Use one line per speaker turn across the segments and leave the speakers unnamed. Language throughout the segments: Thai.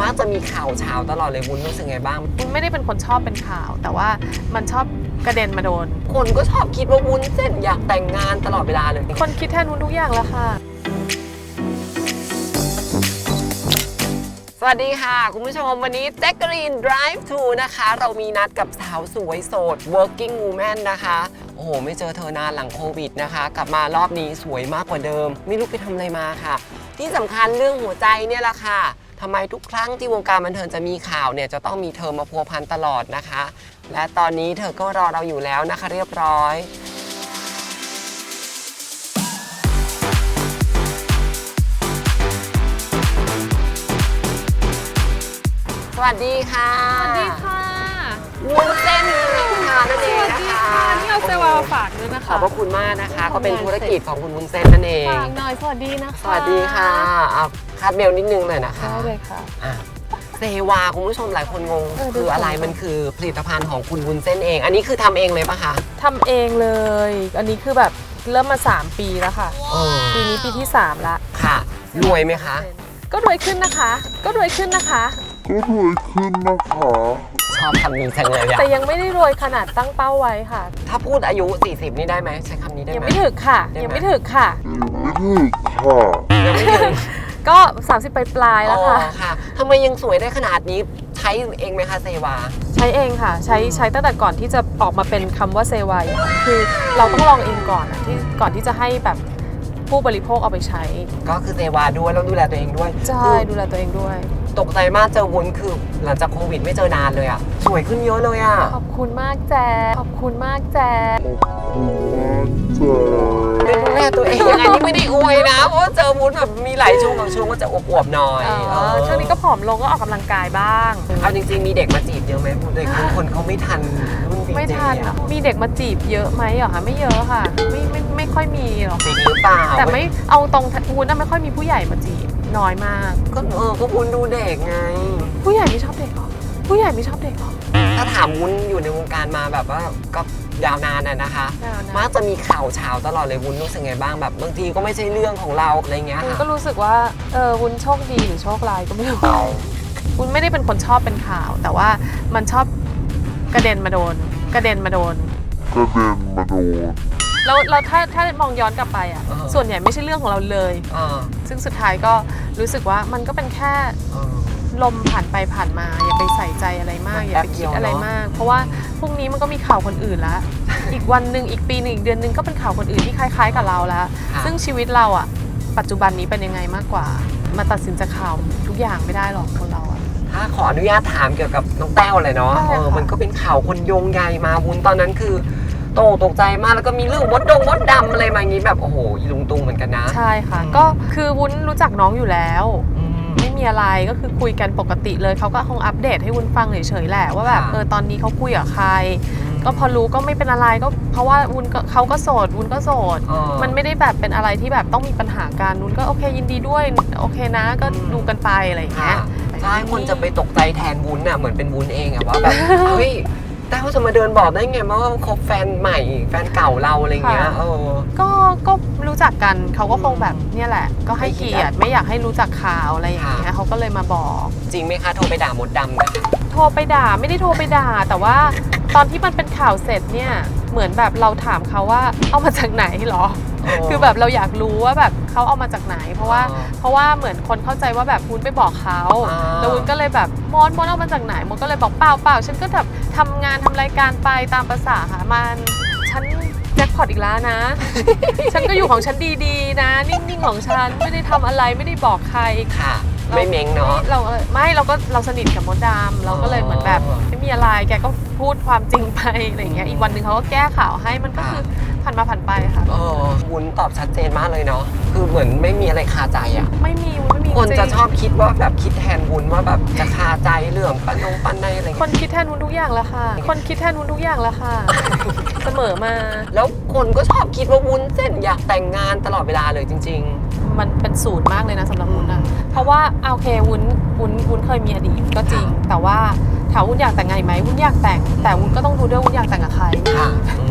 มักจะมีข่าวเช้าตลอดเลยวุ้นรู้สึกไงบ้าง
วุ้นไม่ได้เป็นคนชอบเป็นข่าว แต่ว่ามันชอบกระเด็นมาโดน
คนก็ชอบคิดว่าวุ้นเส้นอยากแต่งงานตลอดเวลาเลย
คนคิดแทนวุ้นทุกอย่างแล้วค่ะ
สวัสดีค่ะคุณผู้ชมวันนี้แจ็คกรีน Drive to นะคะเรามีนัดกับสาวสวยโสด working woman นะคะโอ้โหไม่เจอเธอนานหลังโควิดนะคะกลับมารอบนี้สวยมากกว่าเดิมไม่รู้ไปทำอะไรมาค่ะที่สำคัญเรื่องหัวใจเนี่ยแหละค่ะทำไมทุกครั้งที่วงการบันเทิงจะมีข่าวเนี่ยจะต้องมีเธอมาพัวพันตลอดนะคะและตอนนี้เธอก็รอเราอยู่แล้วนะคะเรียบร้อยสวัสดีค่ะ
สวัสดีค่ะ
วุ้นเส้นค่ะนั่นเองนะคะ
นี่เอาเซวาฝากด้วยนะคะ
ขอบพระคุณมากนะคะก็เป็นธุรกิจของคุณวุ้นเส้นนั่นเอง
ฝากหน่อยสวัสดีนะคะ
สวัสดีค่ะเอาคาดเบลนิดนึงหน่อยนะคะ
ได้เลยค่ะ
เซวาคุณผู้ชมหลายคนงงคืออะไรมันคือผลิตภัณฑ์ของคุณวุ้นเส้นเองอันนี้คือทำเองเลยปะคะ
ทำเองเลยอันนี้คือแบบเริ่มมา3 ปีแล้วค่ะปีนี้ปีที่3ละ
ค่ะรวยไหมคะ
ก็รวยขึ้นนะคะก็รวยขึ้นนะคะ
ชอบคำนี้จังเลยอะ
แต่ยังไม่ได้รวยขนาดตั้งเป้าไว้ค่ะ
ถ้าพูดอายุ40นี่ได้ไหมใช้คำนี้ได้ไหม
ยังไม่ถึงค่ะยังไม่ถึงค่ะ
ยังไม่ถึง
ก็30ปลายแล้วค่ะ
ค่ะทำไมยังสวยได้ขนาดนี้ใช้เองไหมคะเซวา
ใช้เองค่ะใช้ตั้งแต่ก่อนที่จะออกมาเป็นคำว่าเซวาคือเราต้องลองเองก่อนอะก่อนที่จะให้แบบผู้บริโภคเอาไปใช้
ก็คือเซวาด้วยแล้วดูแลตัวเองด้วย
ใช่ดูแลตัวเองด้วย
ตกใจมากเจอวุ้นคือหลังจากโควิดไม่เจอนานเลยอะสวยขึ้นเยอะเลยอะ
ขอบคุณมากแจ๊ขอบคุณมากแจ๊
ดูแลตัวเองอันนี้ไม่ได้อวยนะเพราะเจอวุ้นแบบมีหลายช่วงบางช่วงก็จะอวบๆหน่อย
ช่วงนี้ก็ผอมลงก็ออกกำลังกายบ้าง
เอาจริงๆมีเด็กมาจีบเยอะไหมเด็กบางคนเขาไม่ทันรุ่น
ไม่ทันมีเด็กมาจีบเยอะไหมเหรอคะไม่เยอะค่ะไม่ค่อยมีหรอก
จีบหรือเปล่า
แต่ไม่เอาตรงวุ้นไม่ค่อยมีผู้ใหญ่มาจีบน้อยมาก
ก็วุ้นดูเด็กไง
ผู้ใหญ่ไม่ชอบเด็กหรอผู้ใหญ่ไม่ชอบเด็กหรอ
ถ้าถามวุ้นอยู่ในวงการมาแบบว่าก็ยาวนานนะคะมักจะมีข่าวเช้าตลอดเลยวุ้นรู้สึกไงบ้างแบบบางทีก็ไม่ใช่เรื่องของเราอะไรเงี้ย
วุ้นก็รู้สึกว่าวุ้นโชคดีหรือโชคร้ายก็ไม่รู้วุ้นไม่ได้เป็นคนชอบเป็นข่าวแต่ว่ามันชอบกระเด็นมาโดนแล้วถ้ามองย้อนกลับไปอ่ะส่วนใหญ่ไม่ใช่เรื่องของเราเลยซึ่งสุดท้ายก็รู้สึกว่ามันก็เป็นแค่ลมผ่านไปผ่านมาอย่าไปใส่ใจอะไรมากอย่าไปคิดอะไรมากเพราะว่าพรุ่งนี้มันก็มีข่าวคนอื่นแล้วอีกวันหนึ่งอีกปีหนึ่งอีกเดือนหนึ่งก็เป็นข่าวคนอื่นที่คล้ายๆกับเราแล้วซึ่งชีวิตเราอ่ะปัจจุบันนี้เป็นยังไงมากกว่ามาตัดสินจากข่าวทุกอย่างไม่ได้หรอกคนเราอ่ะ
ถ้าขออนุญาตถามเกี่ยวกับน้องแต้วเลยเนาะมันก็เป็นข่าวคนโยงใยมาวุ้นตอนนั้นคือตกใจมากแล้วก็มีเรื่องมดดำอะไรมาอย่างนี้แบบโอ้โหอีลุงตุงเหมือนกันนะ
ใช่ค่ะก็คือวุ้นรู้จักน้องอยู่แล้วไม่มีอะไรก็คือคุยกันปกติเลยเขาก็คงอัปเดตให้วุ้นฟังเฉยๆแหละว่าแบบตอนนี้เขาคุยกับใครก็พอรู้ก็ไม่เป็นอะไรก็เพราะว่าวุ้นเขาก็โสดวุ้นก็โสดมันไม่ได้แบบเป็นอะไรที่แบบต้องมีปัญหากันวุ้นก็โอเคยินดีด้วยโอเคนะก็ดูกันไปอะไรอย่างเงี้ย
ใช่คนจะไปตกใจแทนวุ้นน่ะเหมือนเป็นวุ้นเองอะว่าแบบเฮ้ยแต่เขาจะมาเดินบอกได้ไงว่าคบแฟนใหม่แฟนเก่าเราอะไรเงี้ย
ก็รู้จักกันเขาก็คงแบบเนี่ยแหละก็ให้เกียรติไม่อยากให้รู้จักข่าวอะไรอย่างเงี้ยเขาก็เลยมาบอก
จริงไหมคะโทรไปด่ามดดำนะ
โทรไปด่าไม่ได้โทรไปด่าแต่ว่าตอนที่มันเป็นข่าวเสร็จเนี่ยเหมือนแบบเราถามเขาว่าเอามาจากไหนหรอคือแบบเราอยากรู้ว่าแบบเขาเอามาจากไหนเพราะว่าเหมือนคนเข้าใจว่าแบบวุ้นไปบอกเขาแล้ววุ้นก็เลยแบบมดเอามาจากไหนมดก็เลยบอกเปล่าฉันก็แบบทำงานทำรายการไปตามภาษาหามันฉันแจ็คพอตอีกแล้วนะ ฉันก็อยู่ของฉันดีๆนะนิ่งๆของฉันไม่ได้ทำอะไรไม่ได้บอกใคร
ค่ะไม่เม้งเนาะ
เราสนิทกับมดดำเราก็เลยเหมือนแบบไม่มีอะไรแกก็พูดความจริงไปอะไรอย่างเงี้ยอีกวันหนึ่งเขาก็แก้ข่าวให้มันก็คือผ่านมาผ่านไปค่ะ
วุ้นตอบชัดเจนมากเลยเนาะคือเหมือนไม่มีอะไรคาใจอ่ะ
ไม่มี
คนจะชอบคิดว่าแบบคิดแทนวุ้นว่าแบบจะคาใจเรื่องปั้นในอะไร
คนคิดแทนวุ้นทุกอย่างแล้วค่ะคนคิดแทนวุ้นทุกอย่างแล้วค่ะเสมอมา
แล้วคนก็ชอบคิดว่าวุ้นเส้นอยากแต่งงานตลอดเวลาเลยจริงๆ
มันเป็นสูตรมากเลยนะสำหรับวุ้นนะเพราะว่าโอเควุ้นเคยมีอดีตก็จริงแต่ว่าถามวุ้นอยากแต่งงานไหมวุ้นอยากแต่งแต่วุ้นก็ต้องดูด้วยวุ้นอยากแต่งกับใคร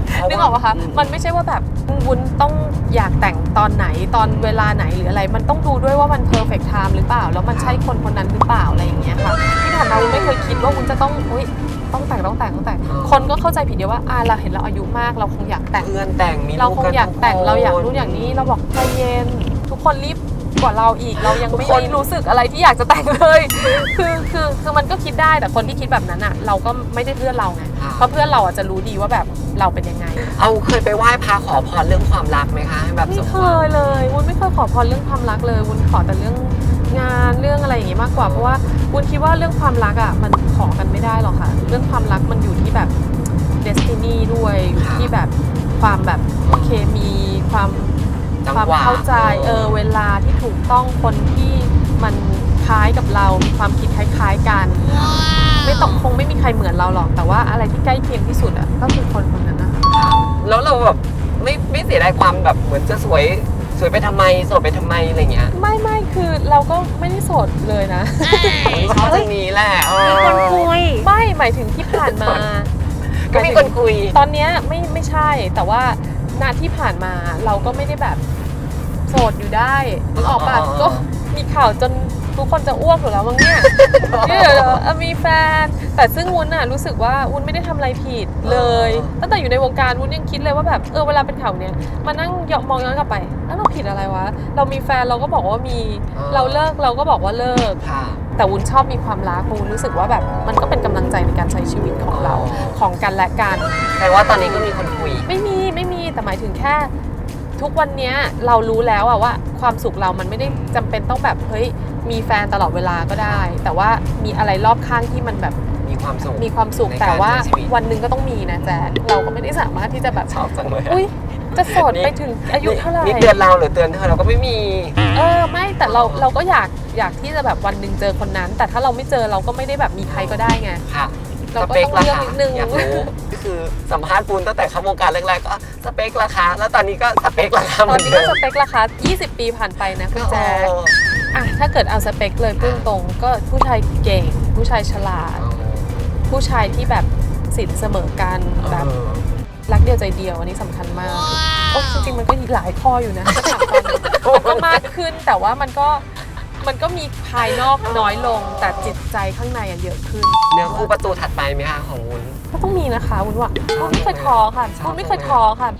นึกออกปะคะมันไม่ใช่ว่าแบบวุ้นต้องอยากแต่งตอนไหนตอนเวลาไหนหรืออะไรมันต้องดูด้วยว่ามัน perfect time หรือเปล่าแล้วมันใช่คนคนนั้นหรือเปล่าอะไรอย่างเงี้ยค่ะที่ผ่านมาวุ้นไม่เคยคิดว่าวุ้นจะต้องต้องแต่งคนก็เข้าใจผิดเดียวว่าเราเห็นเราอายุมากเราคงอยากแต่ง
เพื่อนแต่งมี
เรา
ลูก
คง
กัน
อยากแต่ง
ทุคน
เราอยากรู้อย่างนี้เราบอกใจเย็นทุกคนรีบกว่าเราอีกเรายังไม่ได้รู้สึกอะไรที่อยากจะแต่งเลยคือมันก็คิดได้แต่คนที่คิดแบบนั้นอ่ะเราก็ไม่ได้เพื่อนเราไงเพราะเพื่อนเราอ่ะจะรู้ดีว่าแบบเราเป็นยังไง
เอาเคยไปไหว้พระขอพรเรื่องความรักไหมคะแบบ
ไม่เคยเลยวุ้นไม่เคยขอพรเรื่องความรักเลยวุ้นขอแต่เรื่องงานเรื่องอะไรอย่างงี้มากกว่าเพราะว่าวุ้นคิดว่าเรื่องความรักอ่ะมันขอกันไม่ได้หรอกค่ะเรื่องความรักมันอยู่ที่แบบ destiny ด้วยอยู่ที่แบบความแบบเคมีความเข้าใจเวลาที่ถูกต้องคนที่มันคล้ายกับเรามีความคิดคล้ายๆกันคงไม่มีใครเหมือนเราหรอกแต่ว่าอะไรที่ใกล้เคียงที่สุดอ่ะก็คือคนคนนั้นนะคะ
แล้วเราแบบไม่เสียดายความแบบเหมือนจะสวยไปทำไมโสดไปทำไมอะไรเงี้ย
ไม่คือเราก็ไม่ได้โสดเลยนะ
ชอบตรงนี้แหละ
มีคนคุย
ไม่หมายถึงที่ผ่านมา
ก็มีคนคุย
ตอนนี้ไม่ใช่แต่ว่านาที่ผ่านมาเราก็ไม่ได้แบบโสดอยู่ได้ออกปะก็มีข่าวจนทุกคนจะอ้วกอยู่แล้วมั้งเนี่ยเดี๋ยวมีแฟนแต่ซึ่งวุ้นน่ะรู้สึกว่าวุ้นไม่ได้ทำอะไรผิดเลยตั้งแต่อยู่ในวงการวุ้นยังคิดเลยว่าแบบเวลาเป็นข่าวเนี่ยมานั่งมองย้อนกลับไปแล้วเราผิดอะไรวะเรามีแฟนเราก็บอกว่ามีเราเลิกเราก็บอกว่าเลิกแต่วุ้นชอบมีความรักวุ้นรู้สึกว่าแบบมันก็เป็นกำลังใจในการใช้ชีวิตของเราของกันและกัน
แต่ว่าตอนนี้ก็มีคนคุย
ไม่มีแต่หมายถึงแค่ทุกวันนี้เรารู้แล้วอะว่าความสุขเรามันไม่ได้จำเป็นต้องแบบเฮ้ยมีแฟนตลอดเวลาก็ได้แต่ว่ามีอะไรรอบข้างที่มันแบบ
มีความ
สุขแต่ว่าวันหนึ่งก็ต้องมีนะแจ๊คเราก็ไม่ได้สามารถที่จะแบบ
ชอบจังเลย
จะโสดไปถึงอายุเท่าไหร่
นี่เตือนเราหรือเตือนเธอเราก็ไม่มี
ไม่แต่เราก็อยากที่จะแบบวันหนึ่งเจอคนนั้น แต่ถ้าเราไม่เจอเราก็ไม่ได้แบบมีใครก็ได้ไง
เราก็ต้องเลือกนิดนึงอยากรู้คือสัมภาษณ์ปูนตั้งแต่เข้าวงการแรกๆก็สเปคราคาแล้วตอนนี้ก็สเปคราคา
ตอนนี้ก็สเปคราคา20 ปีผ่านไปนะคุณแจ๊คถ้าเกิดเอาสเปคเลยพุ่งตรงก็ผู้ชายเก่งผู้ชายฉลาดผู้ชายที่แบบสินเสมอกันแบบรักเดียวใจเดียวอันนี้สำคัญมากจริงๆมันก็หลายข้ออยู่นะถ้าถามก็มากขึ้นแต่ว่ามันก็มีภายนอกน้อยลงแต่จิตใจข้างในเยอะขึ้น
เนื้อคู่ประตูถัดไปไหมคะของวุ้น
ก็ต้องมีนะคะวุ้นว่าวุ้นไม่เคยท้อค่ะวุ้นไม่เคยท้อค่ะ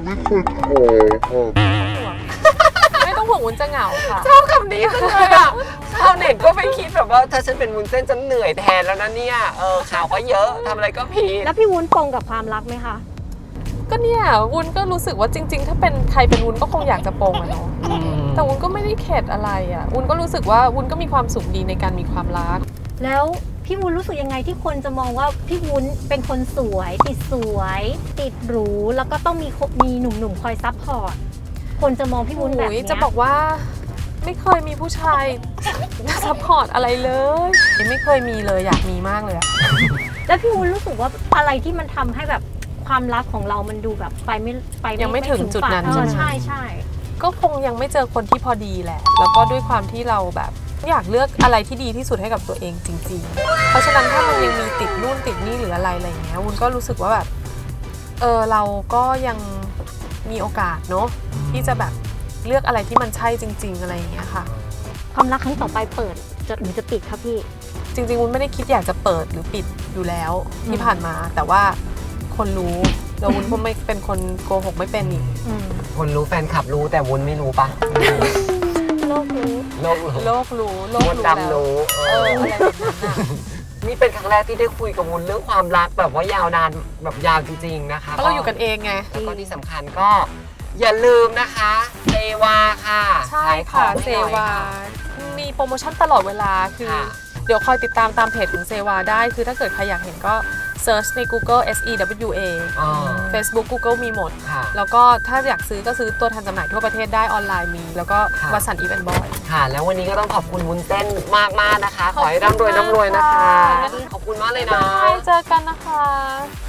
ไม่ต้องห่วงวุ้นจะเหงาค่ะ
ชอบคำนี้จังเลยอ่ะชาวเน็ตก็ไปคิดแบบว่าถ้าฉันเป็นวุ้นเส้นฉันเหนื่อยแทนแล้วนะเนี่ยข่าวก็เยอะทำอะไรก็ผิด
แล้วพี่วุ้นปรงกับความรักไหมคะ
ก็เนี่ยวุ้นก็รู้สึกว่าจริงๆถ้าเป็นใครเป็นวุ้นก็คงอยากจะปรงอะเนาะแต่วุ้นก็ไม่ได้เข็ดอะไรอ่ะวุ้นก็รู้สึกว่าวุ้นก็มีความสุขดีในการมีความรัก
แล้วพี่วุ้นรู้สึกยังไงที่คนจะมองว่าพี่วุ้นเป็นคนสวยติดหรูแล้วก็ต้องมีหนุ่มๆคอยซัพพอร์ตคนจะมองพี่วุ้นแบบนี้
จะบอกว่าไม่เคยมีผู้ชายซัพพอร์ตอะไรเลยไม่เคยมีเลยอยากมีมากเลยอะ
แล้วพี่วุ้นรู้สึกว่าอะไรที่มันทำให้แบบความรักของเรามันดูแบบ
ยังไม่ถึงจุดนั้น
ใช่
ก็คงยังไม่เจอคนที่พอดีแหละแล้วก็ด้วยความที่เราแบบอยากเลือกอะไรที่ดีที่สุดให้กับตัวเองจริงๆเพราะฉะนั้นถ้ามันยังมีติดนู่นติดนี่หรืออะไรอย่างเงี้ยวุ้นก็รู้สึกว่าแบบเราก็ยังมีโอกาสเนาะที่จะแบบเลือกอะไรที่มันใช่จริงๆอะไรอย่างเงี้ยค่ะ
ความรักครั้งต่อไปเปิดหรือจะปิดครับพี่
จริงๆวุ้นไม่ได้คิดอยากจะเปิดหรือปิดอยู่แล้วที่ผ่านมาแต่ว่าคนรู้แล้ววุ้นก็ไม่เป็นคนโกหกไม่เป็นอีก
คนรู้แฟนคลับรู้แต่วุ้นไม่รู้ปะ
โลกรู้
วุ้นดำรู้
อะไรแบบนั้น
นี่เป็นครั้งแรกที่ได้คุยกับวุ้นเรื่องความรักแบบว่ายาวนานแบบยาวจริงๆนะคะ
เพราะเราอยู่กันเองไง
แล้วก็ที่สำคัญก็อย่าลืมนะคะเซวาค่ะ
ใช่ค่ะเซวามีโปรโมชั่นตลอดเวลาคือเดี๋ยวคอยติดตามตามเพจของเซวาได้คือถ้าเกิดใครอยากเห็นก็เซิร์ชใน Google SEWA Facebook Google มีหมดแล้วก็ถ้าอยากซื้อก็ซื้อตัวแทนจำหน่ายทั่วประเทศได้ออนไลน์มีแล้วก็วัสันต์อีเวนต์บอย
ค่ะแล้ววันนี้ก็ต้องขอบคุณวุ้นเส้นมากๆนะคะขอให้ร่ำรวยนะคะขอบคุณมากเลยนะ
เจอกันนะคะ